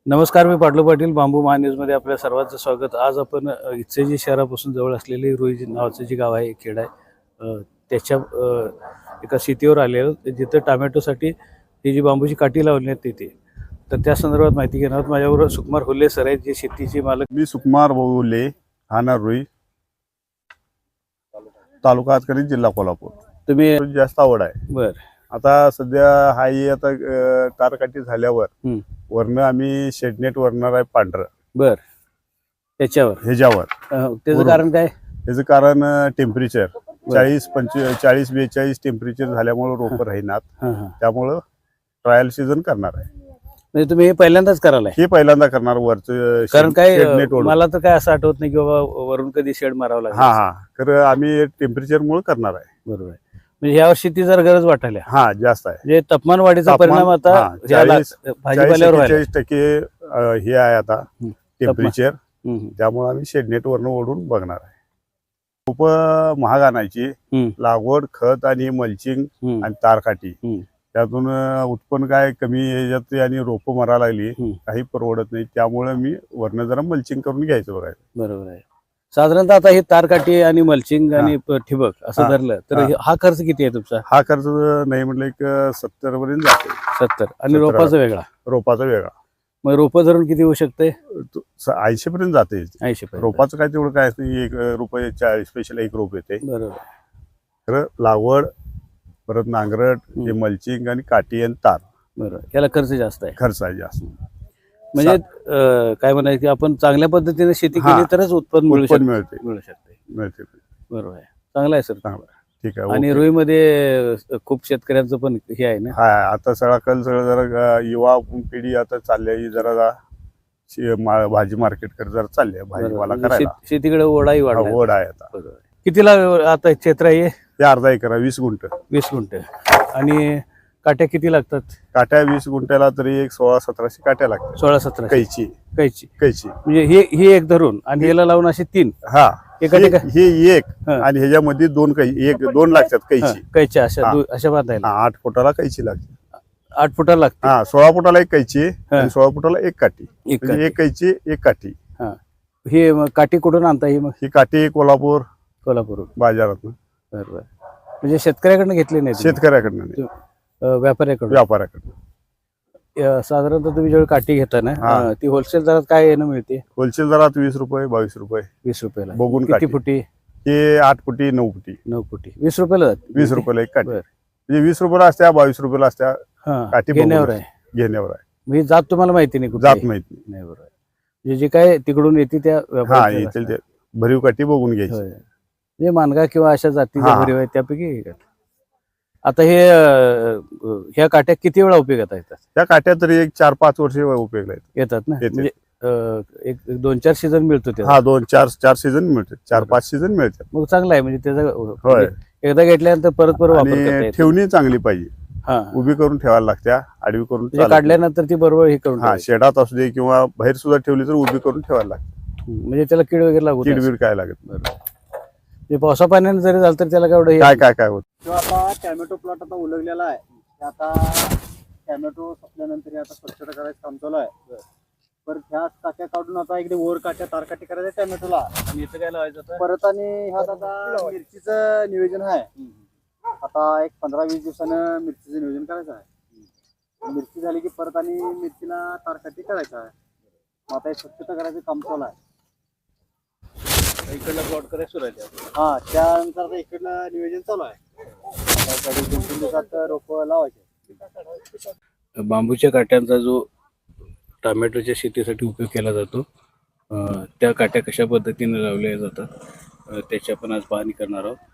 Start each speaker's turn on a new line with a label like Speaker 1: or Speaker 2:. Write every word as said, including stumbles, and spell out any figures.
Speaker 1: नमस्कार, मी पाटलो पाटील बांबू महान्यूजमध्ये आपल्या सर्वांचं स्वागत. आज आपण अ, इचलकरंजी शहरापासून जवळ असलेले रोई नावाचं जे गाव आहे, खेड आहे, अ, त्याच्या अ, एका शेतीवर आलेलो, जिथं टोमॅटोसाठी ही जी बांबूची काठी लावली आहे तिथे. तर त्या संदर्भात माहिती घेणार आहोत. माझ्याबरोबर सुकुमार हुल्ले सर आहेत, जे शेतीचे मालक.
Speaker 2: मी सुकुमार हुल्ले, राहणार रोई, तालुका हातकरी, जिल्हा कोल्हापूर.
Speaker 1: तुम्ही
Speaker 2: जास्त आवड आहे.
Speaker 1: बर
Speaker 2: आता सध्या हाई आता अ, तारकाठी झाल्यावर
Speaker 1: हम्म.
Speaker 2: वरनं आम्ही शेडनेट वरणार आहे पांढरं
Speaker 1: बर त्याच्यावर
Speaker 2: ह्याच्यावर.
Speaker 1: अ, त्याचं
Speaker 2: बरोबर.
Speaker 1: कारण काय?
Speaker 2: त्याचं कारण टेम्परेचर चाळीस पंचवीस चाळीस बेचाळीस टेम्परेचर झाल्यामुळे रोप राहीनात.
Speaker 1: हां हां
Speaker 2: त्यामुळं ट्रायल सीझन करणार आहे.
Speaker 1: म्हणजे तुम्ही हे पहिल्यांदाच करायला आहे?
Speaker 2: हे पहिल्यांदा करणार वरचं
Speaker 1: कारण काय
Speaker 2: शेडनेट
Speaker 1: अ,
Speaker 2: वरून.
Speaker 1: मला तर काय असं आठवत नाही की बाबा वरून कधी शेड मारावं लागेल.
Speaker 2: हा हा तर आम्ही टेम्परेचर मुळे करणार आहे.
Speaker 1: बरोबर आहे. म्हणजे ह्या वर्षी ती जर गरज वाटायला
Speaker 2: हा जास्त आहे.
Speaker 1: म्हणजे तापमान वाढीचा
Speaker 2: तापमान,
Speaker 1: परिणाम आता
Speaker 2: हा,
Speaker 1: ह्या ला-
Speaker 2: चाळीस-
Speaker 1: भाजीपाल्यावर व्हायला.
Speaker 2: चाळीस टक्के अ, हे आहे आता
Speaker 1: हं.
Speaker 2: टेम्परेचर.
Speaker 1: हम्म, हम्म.
Speaker 2: त्यामुळे आम्ही शेडनेट वरनं ओढून बघणार आहे. खूप महाग आणायची
Speaker 1: हम्म.
Speaker 2: लागवड, खत आणि मल्चिंग
Speaker 1: हम्म.
Speaker 2: आणि तारकाठी,
Speaker 1: हम्म.
Speaker 2: त्यातून अ, उत्पन्न काय कमी याच्यात आणि रोपं मरा लागली,
Speaker 1: हम्म.
Speaker 2: काही परवडत नाही. त्यामुळे मी वरनं जरा मल्चिंग करून घ्यायचं बघायचं.
Speaker 1: बरोबर आहे. साधारणतः आता हे तारकाठी आणि मल्चिंग आणि प- ठिबक असं
Speaker 2: हा.
Speaker 1: धरलं तर
Speaker 2: हा.
Speaker 1: हे- हा खर्च किती आहे तुमचा?
Speaker 2: हा खर्च नाही म्हटलं एक सत्तर पर्यंत जाते.
Speaker 1: सत्तर आणि
Speaker 2: सत्तर.
Speaker 1: रोपाचा वेगळा.
Speaker 2: रोपाचा वेगळा
Speaker 1: मग रोपं धरून किती होऊ शकते?
Speaker 2: ऐंशी पर्यंत जाते.
Speaker 1: ऐंशी पर्यंत.
Speaker 2: रोपाचं काय तेवढं काय असतं, एक रुपये चाळीस स्पेशल एक रोप येते.
Speaker 1: बरोबर.
Speaker 2: खरं लागवड, परत नांगरट, हे
Speaker 1: हम्म.
Speaker 2: मल्चिंग आणि काठी आणि तार
Speaker 1: बरोबर, याला खर्च जास्त आहे.
Speaker 2: खर्च आहे जास्त.
Speaker 1: म्हणजे अं, काय म्हणायचं की आपण चांगल्या पद्धतीने शेती
Speaker 2: हा.
Speaker 1: केली तरच उत्पन्न मिळू
Speaker 2: उत्पन्न
Speaker 1: शकते.
Speaker 2: मिळते
Speaker 1: मिळू शकते.
Speaker 2: मिळते
Speaker 1: बरोबर आहे. चांगला आहे सर.
Speaker 2: चांगलं आहे. ठीक आहे.
Speaker 1: आणि
Speaker 2: ओके.
Speaker 1: रुईमध्ये अ, खूप शेतकऱ्यांचं पण हे आहे ना.
Speaker 2: हा आता सगळा कल सगळं जरा अ, युवा पिढी आता चालली आहे जरा जा- शे- मा- भाजी मार्केट कडे जरा चालली आहे, भाजीपाला
Speaker 1: बरोबर. म्हणजे
Speaker 2: करायला.
Speaker 1: शेत- शेतीकडे ओढाही
Speaker 2: हा,
Speaker 1: वाढला.
Speaker 2: ओढ आहे आता.
Speaker 1: बरोबर. कितीला आता क्षेत्र आहे?
Speaker 2: ते अर्धा एकर आहे, वीस गुंठ.
Speaker 1: वीस गुंठ. आणि काट्या किती लागतात?
Speaker 2: काट्या वीस गुंठ्याला तरी एक सोळा सतराशे काट्या लागतात.
Speaker 1: सोळा सतरा
Speaker 2: कैची
Speaker 1: कैची.
Speaker 2: कैची
Speaker 1: म्हणजे हे ही एक धरून आणि याला लावून असे तीन
Speaker 2: हा
Speaker 1: एका
Speaker 2: हे
Speaker 1: ठिकाणी-
Speaker 2: हे एक
Speaker 1: हा.
Speaker 2: आणि ह्याच्यामध्ये दोन कै एक दोन लागतात
Speaker 1: हा,
Speaker 2: कैची.
Speaker 1: कैच्या अशा
Speaker 2: हा.
Speaker 1: दु- अशा बांधायला.
Speaker 2: हा, आठ फुटाला कैची लागते.
Speaker 1: आठ फुटाला लागते.
Speaker 2: हा सोळा फुटाला एक कैची
Speaker 1: हा.
Speaker 2: आणि सोळा फुटाला एक काठी.
Speaker 1: एक
Speaker 2: म्हणजे
Speaker 1: काठी.
Speaker 2: एक कैची एक काठी.
Speaker 1: हा. हे मग काठी कुठून आणता? ही मग
Speaker 2: ही काठी कोल्हापूर
Speaker 1: कोल्हापूरून.
Speaker 2: बाजारात
Speaker 1: बरोबर. म्हणजे शेतकऱ्याकडनं घेतली नाही तुम्ही?
Speaker 2: शेतकऱ्याकडनं नाही,
Speaker 1: अ, व्यापाऱ्याकडून.
Speaker 2: व्यापाऱ्याकडनं.
Speaker 1: अ, साधारणतः तुम्ही जेव्हा काठी घेता ना
Speaker 2: हा.
Speaker 1: अ, ती होलसेल दरात काय येणं मिळते?
Speaker 2: होलसेल दरात वीस रुपये बावीस रुपये
Speaker 1: वीस रुपयाला.
Speaker 2: बघून
Speaker 1: किती
Speaker 2: काठी.
Speaker 1: फुटी?
Speaker 2: हे आठ फुटी नऊ फुटी
Speaker 1: नऊ फुटी. वीस रुपयाला जाते?
Speaker 2: वीस रुपयाला एक काठी.
Speaker 1: बरं.
Speaker 2: म्हणजे वीस रुपयाला असत्या बावीस रुपयाला असत्या.
Speaker 1: हा.
Speaker 2: काठी बघून
Speaker 1: घेण्यावर आहे.
Speaker 2: घेण्यावर आहे.
Speaker 1: म्हणजे जात तुम्हाला माहिती नाही कुठे?
Speaker 2: जात माहित नाही.
Speaker 1: नाही. बरोबर. म्हणजे जे काय तिकडून येते त्या
Speaker 2: हा
Speaker 1: व्यापाऱ्याच्या
Speaker 2: येतील
Speaker 1: असतात.
Speaker 2: ते भरीव काठी बघून घ्यायची.
Speaker 1: होय. म्हणजे मानगा किंवा अशा जातीच्या
Speaker 2: हा.
Speaker 1: भरीव आहेत त्यापैकी एक आहे. आता हे अ, ह्या काट्या किती वेळा उपयोगात येतात?
Speaker 2: त्या काट्या तरी एक चार पाच वर्ष उपयोगला आहेत.
Speaker 1: येतात ना.
Speaker 2: येते.
Speaker 1: म्हणजे अ, एक एक दोन चार सीझन मिळतो त्याचा.
Speaker 2: हा दोन चार चार सीझन मिळते, चार
Speaker 1: बरं.
Speaker 2: पाच सीझन मिळतात.
Speaker 1: मग चांगला आहे. म्हणजे त्याचा
Speaker 2: होय.
Speaker 1: म्हणजे एकदा घेतल्यानंतर परत परत वापर करता
Speaker 2: आणि
Speaker 1: येतो.
Speaker 2: ठेवणी चांगली पाहिजे.
Speaker 1: हा.
Speaker 2: उभी करून ठेवायला लागत्या, आडवी करून
Speaker 1: म्हणजे
Speaker 2: चालत नाही.
Speaker 1: काढल्यानंतर ती बरोबर हे करून
Speaker 2: हा
Speaker 1: ठेवायची.
Speaker 2: शेडात असू दे किंवा बाहेर सुद्धा ठेवली तर उभी करून ठेवायला लागते.
Speaker 1: म्हणजे त्याला कीड वगैरे लागू नये.
Speaker 2: किडबीड काय लागत
Speaker 1: बरोबर. म्हणजे पावसा पाण्याने जरी झालं तर त्याला काय एवढं हे-
Speaker 2: काय काय काय होत.
Speaker 3: जो आता टॅमॅटो प्लॉट आता उलगलेला आहे, ते आता टॅमॅटो संपल्यानंतर हे आता स्वच्छता करायचं काम चालू आहे. परत ह्या काट्या काढून आता इकडे वर काट्या तारकाठी करायच्या टॅमॅटोला.
Speaker 1: आणि इथं काय लावायचं आता?
Speaker 3: परत आणि ह्यात आता मिरचीचं नियोजन आहे. आता एक पंधरा वीस दिवसानं मिरचीचं नियोजन करायचं आहे. मिरची झाली की परत आणि मिरचीला तारकाठी करायचं आहे. मग आता हे स्वच्छता करायचं काम चालू आहे.
Speaker 1: इकडला प्लॉट करायला सुरू आहे आता.
Speaker 3: हा त्यानंतर आता इकडलं नियोजन चालू आहे. आता तरी दोन तीन दिवसात रोप लावायचे.
Speaker 1: बांबूच्या काट्यांचा जो टोमॅटोच्या शेतीसाठी उपयोग केला जातो, अ, त्या काट्या कशा पद्धतीने लावल्या जातात अ, त्याची आपण आज पाहणी करणार आहोत.